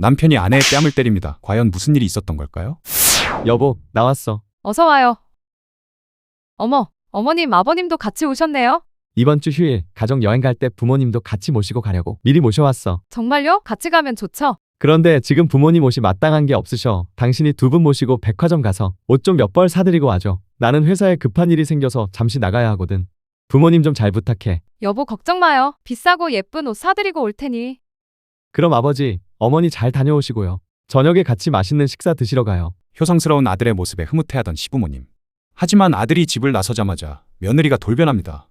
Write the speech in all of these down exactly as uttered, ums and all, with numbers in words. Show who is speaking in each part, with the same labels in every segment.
Speaker 1: 남편이 아내의 뺨을 때립니다. 과연 무슨 일이 있었던 걸까요?
Speaker 2: 여보, 나왔어.
Speaker 3: 어서 와요. 어머, 어머님, 아버님도 같이 오셨네요.
Speaker 2: 이번 주 휴일 가족 여행 갈 때 부모님도 같이 모시고 가려고 미리 모셔왔어.
Speaker 3: 정말요? 같이 가면 좋죠?
Speaker 2: 그런데 지금 부모님 옷이 마땅한 게 없으셔. 당신이 두 분 모시고 백화점 가서 옷 좀 몇 벌 사드리고 와줘. 나는 회사에 급한 일이 생겨서 잠시 나가야 하거든. 부모님 좀 잘 부탁해.
Speaker 3: 여보, 걱정 마요. 비싸고 예쁜 옷 사드리고 올 테니.
Speaker 2: 그럼 아버지, 어머니 잘 다녀오시고요. 저녁에 같이 맛있는 식사 드시러 가요.
Speaker 1: 효성스러운 아들의 모습에 흐뭇해하던 시부모님. 하지만 아들이 집을 나서자마자 며느리가 돌변합니다.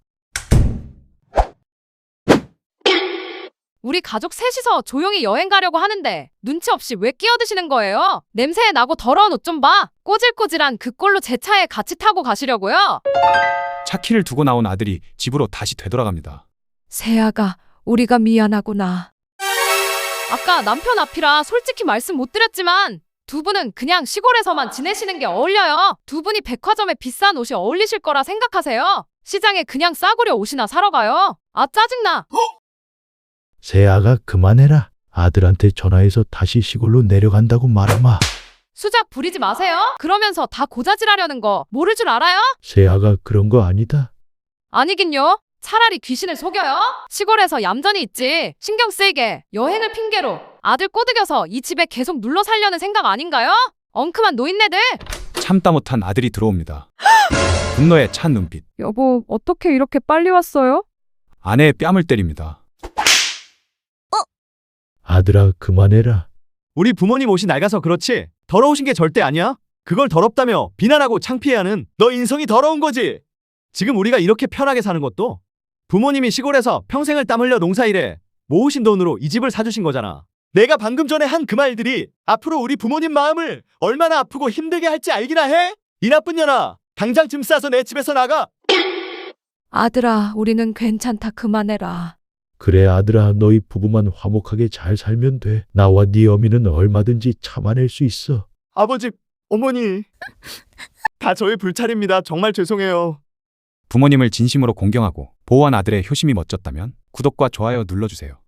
Speaker 3: 우리 가족 셋이서 조용히 여행 가려고 하는데 눈치 없이 왜 끼어드시는 거예요? 냄새 나고 더러운 옷 좀 봐. 꼬질꼬질한 그 꼴로 제 차에 같이 타고 가시려고요?
Speaker 1: 차 키를 두고 나온 아들이 집으로 다시 되돌아갑니다.
Speaker 3: 세아가, 우리가 미안하구나. 아까 남편 앞이라 솔직히 말씀 못 드렸지만 두 분은 그냥 시골에서만 지내시는 게 어울려요. 두 분이 백화점에 비싼 옷이 어울리실 거라 생각하세요? 시장에 그냥 싸구려 옷이나 사러 가요. 아, 짜증나.
Speaker 4: 세아가 그만해라. 아들한테 전화해서 다시 시골로 내려간다고 말하마.
Speaker 3: 수작 부리지 마세요. 그러면서 다 고자질하려는 거 모를 줄 알아요?
Speaker 4: 세아가 그런 거 아니다.
Speaker 3: 아니긴요. 차라리 귀신을 속여요. 시골에서 얌전히 있지. 신경 쓰이게 여행을 핑계로 아들 꼬드겨서 이 집에 계속 눌러 살려는 생각 아닌가요? 엉큼한 노인네들.
Speaker 1: 참다 못한 아들이 들어옵니다. 분노에 찬 눈빛.
Speaker 3: 여보, 어떻게 이렇게 빨리 왔어요?
Speaker 1: 아내의 뺨을 때립니다.
Speaker 4: 아들아 그만해라.
Speaker 2: 우리 부모님 옷이 낡아서 그렇지 더러우신 게 절대 아니야. 그걸 더럽다며 비난하고 창피해하는 너 인성이 더러운 거지. 지금 우리가 이렇게 편하게 사는 것도 부모님이 시골에서 평생을 땀 흘려 농사일해 모으신 돈으로 이 집을 사주신 거잖아. 내가 방금 전에 한 그 말들이 앞으로 우리 부모님 마음을 얼마나 아프고 힘들게 할지 알기나 해? 이 나쁜 년아, 당장 짐 싸서 내 집에서 나가.
Speaker 3: 아들아, 우리는 괜찮다. 그만해라.
Speaker 4: 그래 아들아 너희 부부만 화목하게 잘 살면 돼. 나와 네 어미는 얼마든지 참아낼 수 있어.
Speaker 2: 아버지, 어머니, 다 저의 불찰입니다. 정말 죄송해요.
Speaker 1: 부모님을 진심으로 공경하고 보호한 아들의 효심이 멋졌다면 구독과 좋아요 눌러주세요.